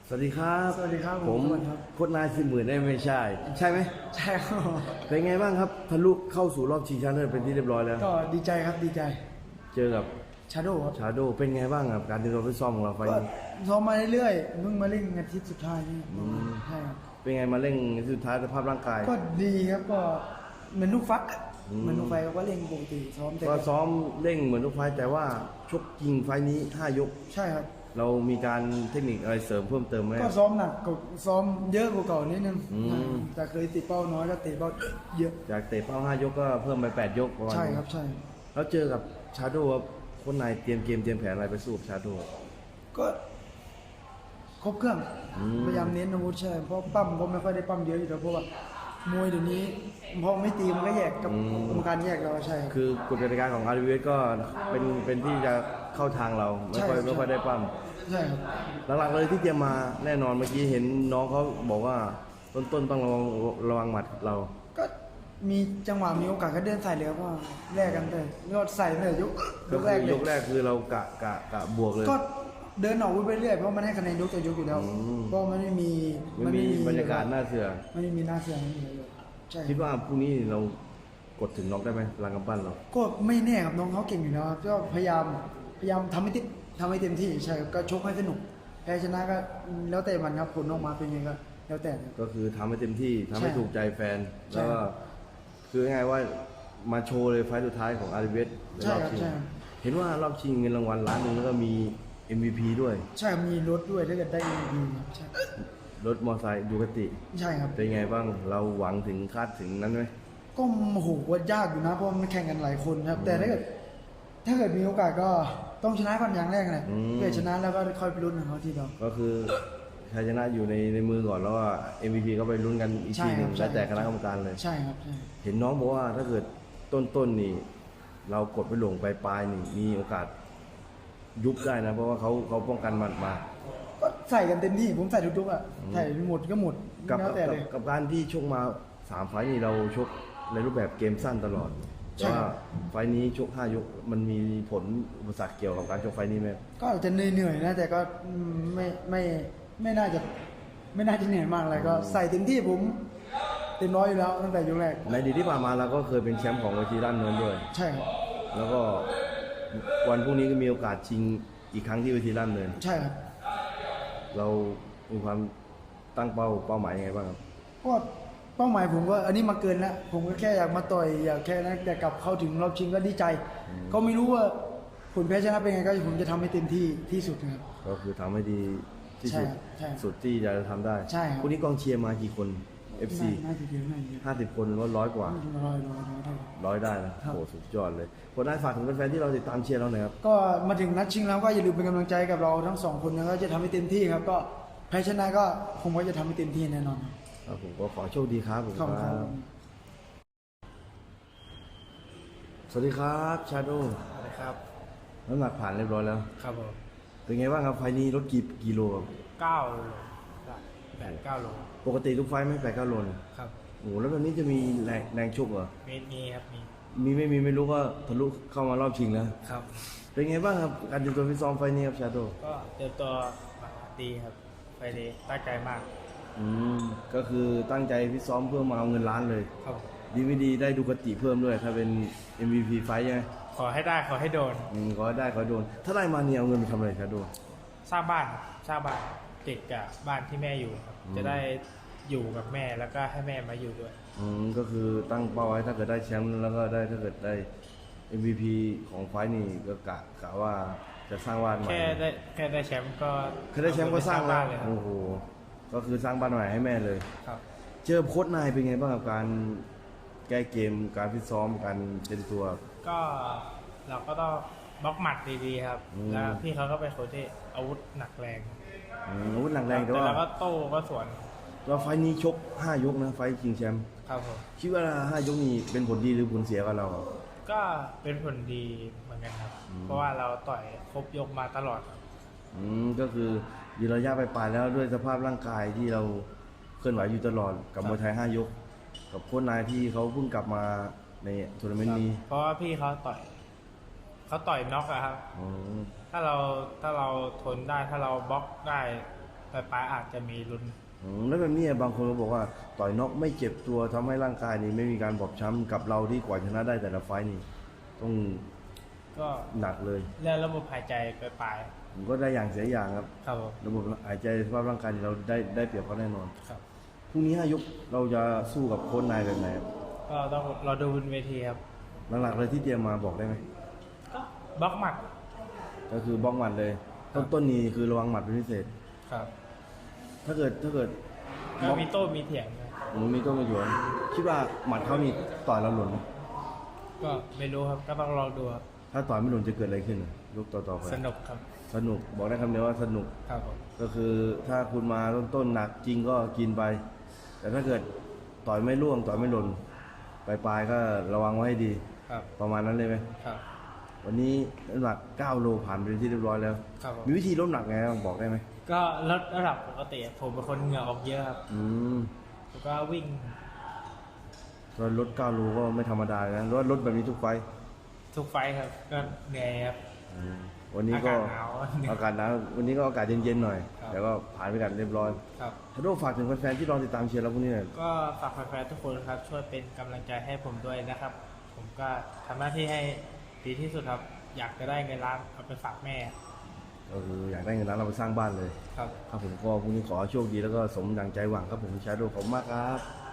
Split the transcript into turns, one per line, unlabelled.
สวัสดีครับ
สวัสดีครับ
ผม
สวัสดีครับ
โค้ชนาย40,000ได้ไม่ใช่ ใช่ไหม
ใช่ครับ
เป็นไงบ้างครับทะลุเข้าสู่รอบชิงชนะเลิศเป็นที่เรียบร้อยแล้ว
ก็ดีใจครับดีใจ
เจอกับ
ชาโดครับ
ชาโดเป็นไงบ้างครับการเตรียมตัวฟิตซ้อมของเราไฟล์
ก็
นี้
ซ้อมมาเรื่อยๆเพิ่งมาเล่นอาทิตย์สุดท้ายนี่ใช่ครับ
เป็นไงมาเร่งสุดท้ายสภาพร่างกาย
ก็ดีครับก็เหมือนลูกฟักอะ
อืม
เหมือนลูกไฟก็เล่นปกติซ้อมแต่
ก็ซ้อมเร่งเหมือนทุกไฟล์แต่ว่าชกจริงไฟล์นี้5 ยก
ใช่ครับ
เรามีการเทคนิคอะไรเสริมเพิ่มเติมไหม
ก็ซ้อมหนักกว่าซ้อมเยอะกว่าเก่านิดนึง
อืม
แต่เคยติดเป้าน้อยก็ติดเป้าเยอะ
จากเตะเป้า5 ยกก็เพิ่มไป8 ยกประมาณ
ใช่
นี้
ครับใช่
แล้วเจอกับชาโดครับคนนายเตรียมเกมเตรียมแผนอะไรไปสู้กับชาโด
ก็ครบเครื่อง
อืม
พยายามเน้นอาวุธใช่เพราะปั้มก็ไม่ค่อยได้ปั้มเยอะอยู่แล้วเพราะว่ามวยเดี๋ยวนี้พอไม่ตีมันก็แยกกับกรรมการแยกเราใช่ครับ
คือกฎกติกาของ RWS ก็เป็นที่จะเข้าทางเราไม่ค่อย
ใช่
ไม่ค่อยได้ปั้ม
ใช่ครับ
หลักๆเลยที่เตรียมมาแน่นอนเมื่อกี้เห็นน้องเขาบอกว่าต้นต้องระวังหมัดเรา
ก็มีจังหวะมีโอกาสก็เดินใส่เลยครับว่าแลกกันเลยยอดใส่เลยยก
ก็
แร
คื
กเลย
ยกแรกคือเรากะบวกเลย
ก็เดินออกไปเรื่อยเพราะมันให้คะแนนยกต่อยกอยู่แล้ว
อืม
ก็มันไม่มี
ไม่มีบรรยากาศน่าเสือ
ไม่มีหน้าเสือไม่มีอะไรเลยใช่
คิดว่าพรุ่งนี้เรากดถึงน็อกได้ไหมพลังกำปั้นเรา
ก็ไม่แน่ครับน้องเขาเก่งอยู่แล้วครับก็พยายามทำให้เต็มที่ใช่ครับก็ชกให้สนุกแพ้ชนะก็แล้วแต่มันครับผลออกมาเป็นยังไงก็แล้วแต่ครับ
ก็คือทำให้เต็มที่ทำให้
ใช่
ถูกใจแฟน
ใช่
แล้วก็คือง่ายๆว่ามาโชว์เลยไฟล์สุดท้ายของ RWS ใน
ใช่
รอบ
ครับ
ชิง
ใช่ครับ
เห็นว่ารอบชิงเงินรางวัล1 ล้านแล้วก็มี MVP ด้วย
ใช่มีรถด้วยถ้าเกิดได้ดีครับใช่
รถมอเตอร์ไซค์ดูกติ
ใช่ครับ
เป็นไงบ้างเราหวังถึงคาดถึงนั้นไหม
ก็โอ้โหว่ายากอยู่นะเพราะมันแข่งกันหลายคนครับ แต่ถ้าเกิดมีโอกาสก็ต้องชนะก่อนอย่างแรกเลยเพื่อชนะแล้วก็ค่อยไปลุ้นของเขาทีเดียว
ก็คือชัยชนะอยู่ในมือก่อนแล้วว่า MVP ก็ไปลุ้นกันอีก
ใช่
ทีห
ครั
นึ่
บ
ง
ใช่
แล้วแต่คณะกรรมการเลย
ใช่ครับใช่
เห็นน้องบอกว่าถ้าเกิดต้นนี่ เรากดไปหลงปลายนี่มีโอกาสยุบได้นะ เพราะว่าเขาป้องกันหมัดมา
ก็ใส่กันเต็มที่ผมใส่ทุกๆอ่ะใส่หมดก็หมด
กับ
แล้วแต่เลย
กับการที่ชกมา3 ไฟล์นี่เราชกในรูปแบบเกมสั้นตลอด
ใช่
แต่ว่าไฟล์นี้ชก5 ยกมันมีผลอุปสรรคเกี่ยวกับการชกไฟล์นี้ไหม
ก็อาจจะเหนื่อยๆนะแต่ก็ไม่น่าจะเหนื่อยมากอะไรก็ใส่เต็มที่ผมเต็มร้อยอยู่แล้วตั้งแต่ยกแรก
ในอดีตที่ผ่านมาเราก็เคยเป็นแชมป์ของเวทีด้านเนินด้วย
ใช่ครับ
แล้วก็วันพรุ่งนี้ก็มีโอกาสชิงอีกครั้งที่เวทีด้านเนิน
ใช่ครับ
เรามีความตั้งเป้าหมายยังไงบ้างครับ
ก็เป้าหมายผมก็อันนี้มาเกินแล้วผมก็แค่อยากมาต่อยอยากแค่นั้นแต่กลับเข้าถึงรอบชิงก็ดีใจ ก็ไม่รู้ว่าผลแพ้ชนะเป็นไงก็ผมจะทำให้เต็มที่ที่สุดนะครับ
ก็คือทำให้ดีที่สุด
ใช่ครับ
สุดที่จะทำได้
ใช่ครับ
พรุ่งนี้กองเชียร์มากี่คน FC
น่าจะเยอะน่าจะเยอะ
50 คนว่า100 กว่า
ร้อย
100 ได้นะครับ โอ้สุดยอดเลยคนได้ฝากถึงแฟนๆที่เราติดตามเชียร์เราหน่อยครับ
ก็มาถึงนัดชิงแล้วก็อย่าลืมเป็นกำลังใจกับเราทั้งสองคนนะก็จะทำให้เต็มที่ครับ ก็แพ้ชนะก็ผมก็จะทำให้เต็มที่แน่นอนครับ
ครับผมก็ขอโชคดีครับผม
ขอบคุณครับ
สวัสดีครับชาโด
สวัสดีครับ
น้ำหนักผ่านเรียบร้อยแล้ว
ครับผม
เป็นไงบ้างครับไฟล์นี้ลดกี่กิโลครับ
9 โล8-9 โล
ปกติทุกไฟล์ไม่8-9 โลเลย
ครับ
โอ้โหแล้วตอนนี้จะมีแรงชกเหรอ
มีครับ
ไม่รู้ก็ทะลุเข้ามารอบชิงแล้ว
ครับ
เป็นไงบ้างครับการเตรียมตัวฟิตซ้อมไฟล์นี้ครับชาโด
ก็เตรียมตัวมาดีครับ ไปดีตั้งใจมาก
ก็คือตั้งใจฟิตซ้อมเพื่อมาเอาเงินล้านเลย
ครับ
ดีไม่ดีได้ดูกติเพิ่มด้วย ถ้าเป็น MVP ไฟท์ใช่ไหม
ขอให้ได้ขอให้โดน
ขอให้ได้ขอให้โดน ถ้าได้มาเนี่ยเอาเงินไปทำอะไรชาโด
สร้างบ้านครับสร้างบ้านติดกับบ้านที่แม่อยู่ครับ จะได้อยู่กับแม่แล้วก็ให้แม่มาอยู่ด้วย
ก็คือตั้งเป้าไว้ถ้าเกิดได้แชมป์แล้วก็ได้ถ้าเกิดได้ MVP ของไฟท์นี่ก็กะว่าจะสร้างบ้านใหม่
แค่ได้แชมป์ก็
แค่ได้แชมป์ก็สร้าง
บ้า
แล้ว
นเลยครับ
โอ้โหก็คือสร้างบ้านใหม่ให้แม่เลย
ครับ
เจอโค้ชนายเป็นไงบ้างกับการแก้เกมการฟิตซ้อมการเตรียมตัว
ก็เราก็ต้องบล็อกหมัดดีๆครับ
อืม
แล้วพี่เขาก็เป็นคนที่อาวุธหนักแรง
อาวุธหนักแรงแต่
แต่
ว่า
เราก็โต้ก็สวน
เราไฟท์นี้ชก5 ยกนะไฟท์ชิงแชมป์
ครับผม
คิดว่า5 ยกนี้เป็นผลดีหรือผลเสียกับเรา
ก็เป็นผลดีเหมือนกันครับ เพราะว่าเราต่อยครบยกมาตลอดครับ
ก็คือยืนระยะไปปลายแล้วด้วยสภาพร่างกายที่เราเคลื่อนไหวอยู่ตลอดกับมวยไทย5 ยก กับโค้ชนายที่เขาเพิ่งกลับมาในทัวร์นาเมนต์นี้
เพราะว่าพี่เขาต่อยน็อกอะครับ
อืม
ถ้าเราทนได้ถ้าเราบล็อกได้ปลายๆอาจจะมีลุ้น
แล้วแบบนี้บางคนก็บอกว่าต่อยน็อกไม่เจ็บตัวทำให้ร่างกายนี่ไม่มีการบอบช้ำกับเราที่กว่าชนะได้แต่ละไฟต์นี่ต้อง
ก็
หนักเลย
เรื่องระบบหายใจปลาย
ผมก็ได้อย่างเสียอย่างครับ
ๆครับผม
ระบบหายใจสภาพร่างกายเราได้เปรียบเขาแน่นอน
ครับ
พรุ่งนี้5 ยกเราจะสู้กับโค้ชนายแบบไหนครับ
ก็ต้องรอดูบนเวทีครับ
หลักๆเลยที่เตรียมมาบอกได้ไหม
ก็บล็อกหมัด
ก็คือบล็อกหมัดเลย ต้นนี้คือระวังหมัดเป็นพิเศษ
ครับ
ถ้าเกิด
ก็มีโต้มีเถียงนะ
มีต้นมาหยวนคิดว่าหมัดเขานี่ต่อยเราหล่นไหม
ก็ไม่รู้ครับก็ต้องลองดูครับ
ถ้าต่อยไม่หล่นจะเกิดอะไรขึ้นยกต่อๆไป
สนุกครับ
สนุกบอกได้คำเดียวว่าสนุก
ครับผม
ก็คือถ้าคุณมาต้นหนักจริงก็กินไป แต่ถ้าเกิดต่อยไม่ร่วงต่อยไม่หล่นปลายๆก็ระวังไว้ให้ดี
ครับ
ประมาณนั้นเลยไหม
ครับ
วันนี้น้ำหนัก9 โลผ่านไปเป็นที่เรียบร้อยแล้ว
ครับผม
มีวิธีลดน้ำหนักไงบ้างบอกได้ไหม
ก็ลดระดับปกติผมเป็นคนเหงื่อออกเยอะครับ
อืม
แล้วก็วิ่ง
ตอนลด9 โลก็ไม่ธรรมดานะหรือว่าลดแบบนี้ทุกไฟต์
ทุกไฟท์ครับ ก็เหนื่อยครับ
วันนี้ก็
อากาศหนาว
อากาศหนาววันนี้ก็อากาศเย็นๆหน่อย
ครับ
แต่ก็ผ่านไปกันเรียบร้อย
ครับ
ฮัลโหลฝากถึงแฟนๆที่รอติดตามเชียร์เราพรุ่งนี้หน่อย
ก็ฝากแฟนๆทุกคนครับ ช่วยเป็นกำลังใจให้ผมด้วยนะครับ ผมก็ทำหน้าที่ให้ดีที่สุดครับ อยากจะได้เงินล้านเอาไปฝากแม่
ก็คืออยากได้เงินล้านเราไปสร้างบ้านเลย
ครับ
ครับผมก็พรุ่งนี้ขอให้โชคดีแล้วก็สมดังใจหวังครับผมชาโดขอบคุณมากครับ